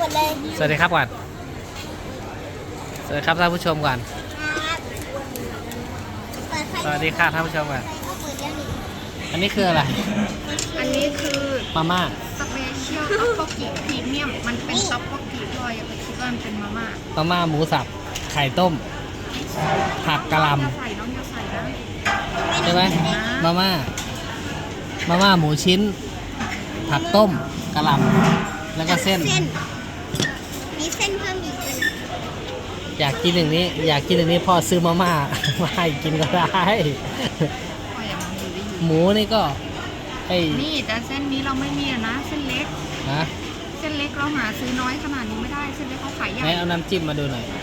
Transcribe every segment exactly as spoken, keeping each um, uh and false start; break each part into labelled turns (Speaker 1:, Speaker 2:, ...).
Speaker 1: ดเลย
Speaker 2: สวัสดีครับก่อนสวัสดีครับท่านผู้ชมก่อน
Speaker 1: ครับเปิดไฟ
Speaker 2: สวัสดีค่ะท่านผู้ชมก่อน
Speaker 1: ไฟก็เปิดแล้วนี่
Speaker 2: อันนี้คืออะไร
Speaker 3: อันนี้คือ
Speaker 2: มาม่า
Speaker 3: สเปเชียลต็อกโบกิพรีเมียมมันเป็นต็อกโบกิลอยอย่าไปคิดว่ามันเป็นมาม่า
Speaker 2: มาม่าหมูสับไข่ต้มผักกะหล่
Speaker 3: อย่าใส่น้องอย่าใส่นะ
Speaker 2: ำใช่ไหมมาม่ามาม่าหมูชิ้น ผักต้มกะหล่ำแล้วก็เส้น
Speaker 1: เส้นมีเส้นเพิ่มอีกเลย
Speaker 2: อยากกินอย่างนี้ อยากกินอย่างนี้พ่อซื้อมาม่า มาให้กินก็ได้
Speaker 3: พออย่ามาดูได้ยิน
Speaker 2: หมูนี่ก็ไอ้
Speaker 3: นี่แต่เส้นนี้เราไม่มีอะนะเส้นเล็ก
Speaker 2: นะ
Speaker 3: เส้นเล็กเราหาซื้อน้อยขนาดนี้ไม่ได้เส้นเล็กเขาขายใหญ่
Speaker 2: ไหนเอาน้ำจิ้มมาดูหน่อย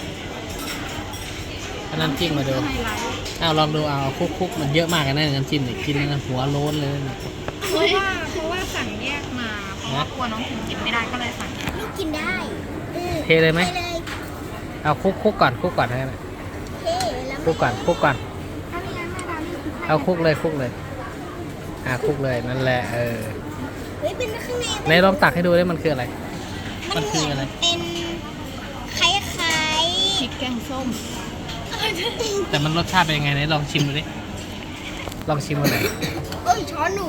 Speaker 2: เอาน้ำจิ้มมาดู
Speaker 3: ไฮไลท์
Speaker 2: เอาลองดูเอาคุกคุกมันเยอะมากนะน้ำจิ้มเนี่ยกินแล้วหัวโล้นเลยนะ
Speaker 3: เพราะว่าเพราะว่าสั่งแยกมาเพราะว่ากลัวน้องถึงกินไม่ได้ก็เลยสั่งแยก
Speaker 1: ลูกกินได้ออ
Speaker 2: เทเลยไหม
Speaker 1: เทเลย
Speaker 2: เอาคุกคุกก่อนคุกก่อนให้นะ
Speaker 1: เทแล้ว
Speaker 2: คุกก่อนคุกก่อน
Speaker 3: ถ้าไม่งั้นแม่ดานี่คือ
Speaker 2: เอาคุกเลยคุกเลยอ่าคุกเลยนั่นแหละเออ
Speaker 1: เฮ้ยเป็นข้างใน
Speaker 2: ไหนลองตักให้ดูได้มันคืออะไร
Speaker 1: มั
Speaker 2: มัน น
Speaker 1: เห
Speaker 2: คือ
Speaker 1: มือน
Speaker 2: อะไร
Speaker 1: เป็นคล้าย
Speaker 3: พริกแกงส้ม
Speaker 1: ๆ
Speaker 2: แต่มันรสชาติเป็นยังไงไหนลองชิมดูดิลองชิมดูหน่อย
Speaker 1: เอ้ยช้อนหนู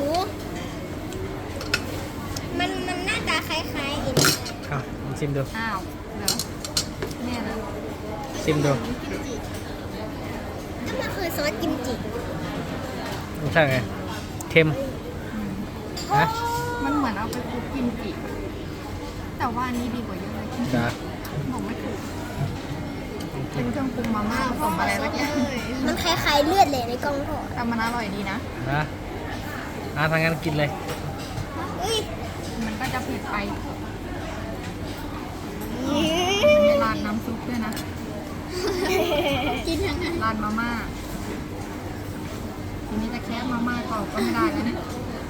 Speaker 1: มันมันหน้าตาคล้ายๆไอ้นี่
Speaker 2: เอาลองชิมดู
Speaker 3: อ้าวเหรอเนี่ยนะ
Speaker 2: ชิมดู
Speaker 1: กิมจิก็มันคือซอสกิมจิ
Speaker 2: รสชาติไงเค็มนะ
Speaker 3: มันเหมือนเอาไปคลุกกิมจิแต่ว่าอันนี้ดีกว่าเยอะเลย
Speaker 2: จ้ะ
Speaker 3: บอกไม่ถูกเป็นเครื่องปรุงมาม่าผสมอะไรสักอย่าง
Speaker 1: มันคล้ายๆเลือดเลยในกล้องพ่อ
Speaker 3: แต่มันอร่อยดีนะ
Speaker 2: นะอ่าทางนั้นกินเลย
Speaker 1: เฮ้ย
Speaker 3: มันก็จะเผ็ดไปมีราดน้ำซุปด้วยนะ
Speaker 1: กินทั้งนั้น
Speaker 3: ราดมาม่าทีนี้จะแค่มาม่าต่อก็ไม่ได้แล้วนะ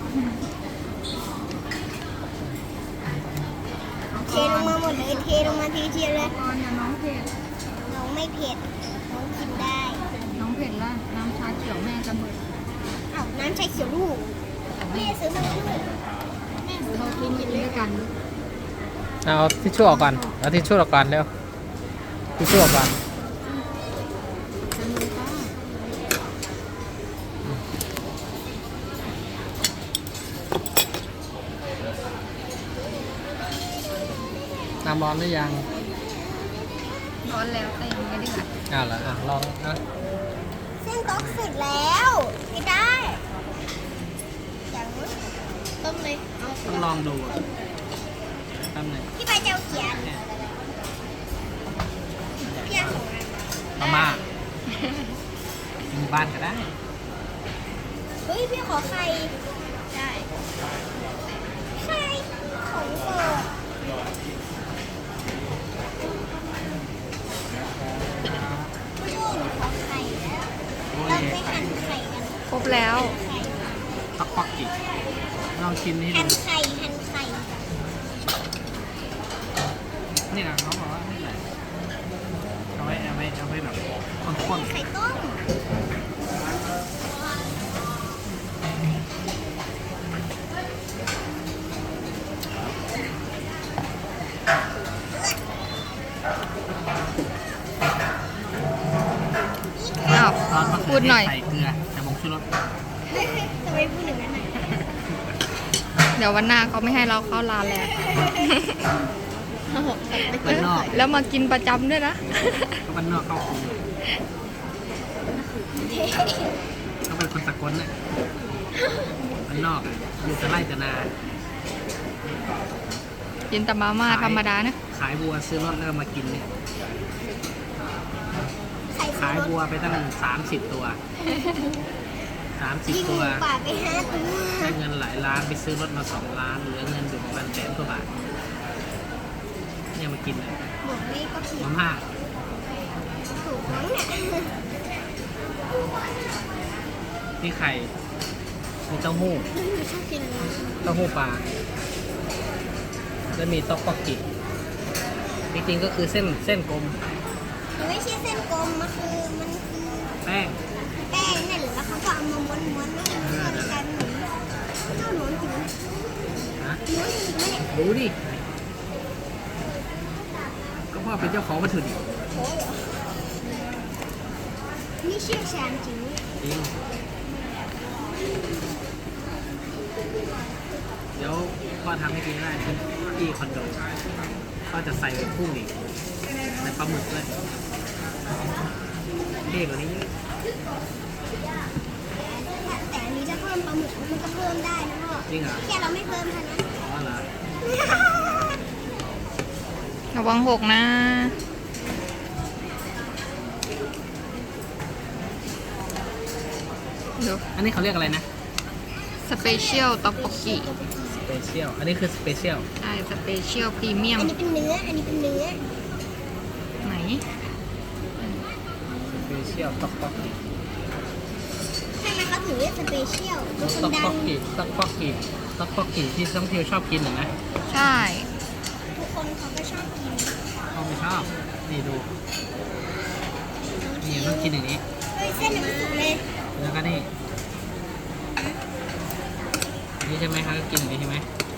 Speaker 1: เทลงมาหมดเลยเทลงมาทีเดียวเลย
Speaker 3: ก่อนอย่าน้องเผ็ด
Speaker 1: น้องไม่เผ็ดน้องกินได้
Speaker 3: น้องเผ็ดแล้วน้ำชาเขียวแม่จะหมด
Speaker 1: อ้าวน้ำชาเขียวลูกแม่ซื้อมาลูก
Speaker 3: แม่ซื้อมากินด้วยกัน
Speaker 2: เอาทิชชู่ออกก่อนเอาทิชชู่ออกก่อนเร็วทิชชู่ออกก่อน
Speaker 3: จะมีป้า
Speaker 2: น้ำร้อนหรือยัง
Speaker 3: ร้อนแล้วแต่ยังไม่เดือด
Speaker 2: อ้าวเหรออ่ะลองอ่ะ
Speaker 1: เส้นต๊อกเสร็จแล้วไม่ได้อย่างต้มเลยเอา
Speaker 2: ต้องลองดูอ่ะแป๊บหนึง
Speaker 1: พี่ใบเจ้าเขียนพี่อาของอะไร
Speaker 2: มาม่ากินบ้านก็ได้
Speaker 1: เฮ้ยพี่ขอไข่ได้ไข่ของโปรดพี่หนูขอไข่แล้วเราไปหั่นไข่กัน
Speaker 3: ครบแล้ว
Speaker 1: ไข่
Speaker 2: ตักปักกิลองชิมนี่
Speaker 1: หั่น
Speaker 2: ดู
Speaker 1: ไข่หั่นไข่
Speaker 2: นี่นะเขาบอกว่านี่แหละเอาไว้เอาไว้เอาไว้แบบข้น
Speaker 1: ไข่ต้ม
Speaker 3: อ้าว
Speaker 2: ๆซอสมะเขื
Speaker 3: พูดหน่อย
Speaker 2: ใส่เกลือใส่ผงชูรส
Speaker 1: ทำไมพูดอย่างนั้นน่ะ
Speaker 3: เดี๋ยววันหน้าเขาไม่ให้เราเข้าร้านแล้ว
Speaker 2: บ้านนอก
Speaker 3: แล้วมากินประจำด้วยนะ
Speaker 2: ก็บ้านนอกเข้ากรุงเขาเป็นคนสกลน่ะบ้านนอกอยู่แต่ไร่แต่นา
Speaker 3: กินแต่มาม่าธรรมดานะ
Speaker 2: ขายบัวซื้อรถแล้วก็มากินเนี่ย
Speaker 1: ไข่
Speaker 2: ขายบัวไปตั้งสามสิบตัวสามสิบ
Speaker 1: ยิงห
Speaker 2: ตั
Speaker 1: มู
Speaker 2: ว
Speaker 1: ป่าไปห้าตัว
Speaker 2: ได้เงินหลายล้านไปซื้อรถมาสองล้านเหลือเงินอยู่ประมาณแสนกว่าบาทเนี่ยมากินเลย
Speaker 1: บอกนี่ก็ผิด
Speaker 2: มาม่า
Speaker 1: ถูกมั้งเนี่ย
Speaker 2: นี่ไข่มีเต้าหู้
Speaker 1: ชอบกินอะไร
Speaker 2: เต้าหู้ปลาแล้วมีต๊อกบกกิจริงๆก็คือเส้นเส้นกลม
Speaker 1: มันไม่ใช่เส้นกลมมันคือมันคือ
Speaker 2: แป้ง
Speaker 1: แป้งนั่นแหละแล้วเขาก็เอามาม้วนๆแล้วมันก็เลยกลายเป็นหมูเจ้าหนูกินไหม
Speaker 2: นะ
Speaker 1: หนูกินไหมเนี่ย
Speaker 2: ดูดิเป็นเจ้าของวัตถุดิบ
Speaker 1: โอ้เหรอนี่เชี่ยวชาญจริง
Speaker 2: จริงเดี๋ยวพ่อทำให้กินได้ที่ที่คอนโดก็จะใส่กุ้งอีกใส่ปลาหมึกด้วยเท่กว่านี้เยอะ
Speaker 1: แต่อันนี้จะเพิ่มปลาหมึกมันก็เพิ่มได้นะพ่อ
Speaker 2: จริงเหรอ
Speaker 1: แค่เราไม่เพิ่มเท่านั้น
Speaker 2: อ๋อเหรอ
Speaker 3: ระวังหกนะเดี๋ยว
Speaker 2: อันนี้เขาเรียกอะไรนะ
Speaker 3: สเปเชียลต็อกโบกิ
Speaker 2: สเปเชียลอันนี้คือสเปเชียล
Speaker 3: ใช่สเปเชียลพรีเมียม
Speaker 1: อันนี้เป็นเนื้อ อันนี้เป็นเนื้อ
Speaker 3: ไหน
Speaker 2: สเปเชียลต็อกป๊อกกิ
Speaker 1: ใช่ไหมเขาถึงเรียกสเปเชียลมัน
Speaker 2: ต็อก
Speaker 1: ดั
Speaker 2: ป๊อง กกิต็อกป๊อกกิต็อกป๊อกกิที่ต้องเที่ยวชอบกินเหรอนะ
Speaker 3: ใช่
Speaker 1: ทุกคนเขาก็ชอบกิน
Speaker 2: เขาไม่ชอบนี่ดูนี่ต้องกินอย่างนี้
Speaker 1: เฮ้ยเส้นยังไม่สุกเลย
Speaker 2: แล้วก็นี่นี่ใช่ไหมครับกินอย่างนี้ใช่ไหม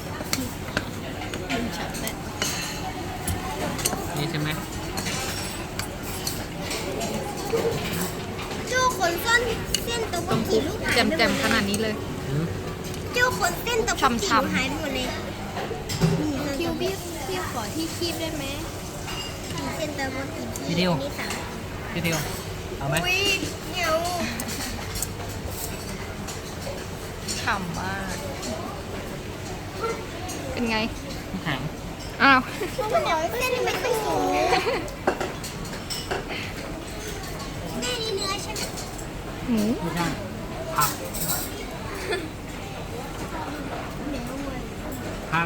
Speaker 2: นี่ใช่ไหม
Speaker 1: โจ้คนซ่อนเส้นตัว
Speaker 3: ต้อง
Speaker 1: กี่
Speaker 3: คุก
Speaker 1: ลูกหาย
Speaker 3: แจ่มๆขนาดนี้เลย
Speaker 2: อืม
Speaker 1: โจ้คนเส้นตัวกี่
Speaker 3: ช่ำๆ
Speaker 1: ลูกหายไปหมดเลยคิวพี่พี่ขอที่คีบได้ไหมเส้นตัวกี่ที่นี่สาม
Speaker 2: พี่เทียวเอาไหม
Speaker 1: อุ้ยเหนียว
Speaker 3: ฉ่ำมาก เป็นไง
Speaker 2: แข็ง
Speaker 3: อ้าว
Speaker 1: มันเหนียวเส้นยังไม่ค่อยสูงแม่นี่เนื้อใช่ไหม
Speaker 3: หมู
Speaker 2: ไม่ใช่ผัก
Speaker 1: เหนียวเลย
Speaker 2: ผัก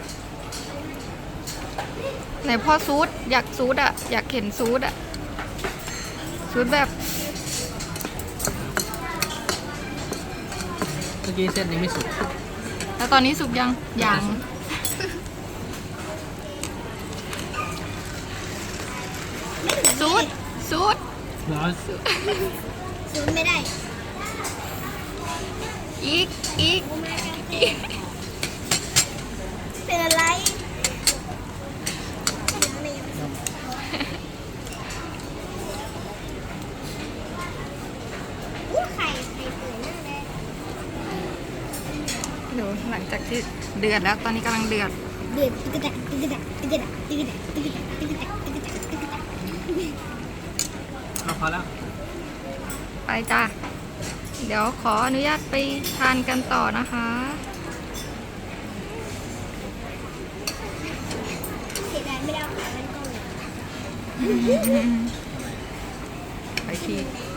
Speaker 3: ไหนพ่อซูดอยากซูดอะอยากเห็นซูดอะซูดแบบ
Speaker 2: เมื่อกี้เส้นนี้ไม่สุก
Speaker 3: แล้วตอนนี้สุกยังยัง ซูดซูด
Speaker 2: ร้อน
Speaker 1: สูงไม่ได้
Speaker 3: อีกอีกอีก
Speaker 1: เป็นอะไรอู้ไข่ไข่เปื่อยมากเลย
Speaker 3: เดี๋ยวหลังจากที่เดือดแล้วตอนนี้กำลังเดือด
Speaker 1: เดือดตึกตักตึกตักตึกตักตึกตักตึกตักตึกตักตึกตักตึกตัก
Speaker 2: เราพอแล้ว
Speaker 3: ไปจ้ะเดี๋ยวขออนุญาตไปทานกันต่อนะคะ
Speaker 1: เสียดายไม่ได้เอาขามันก่อน
Speaker 3: ไปที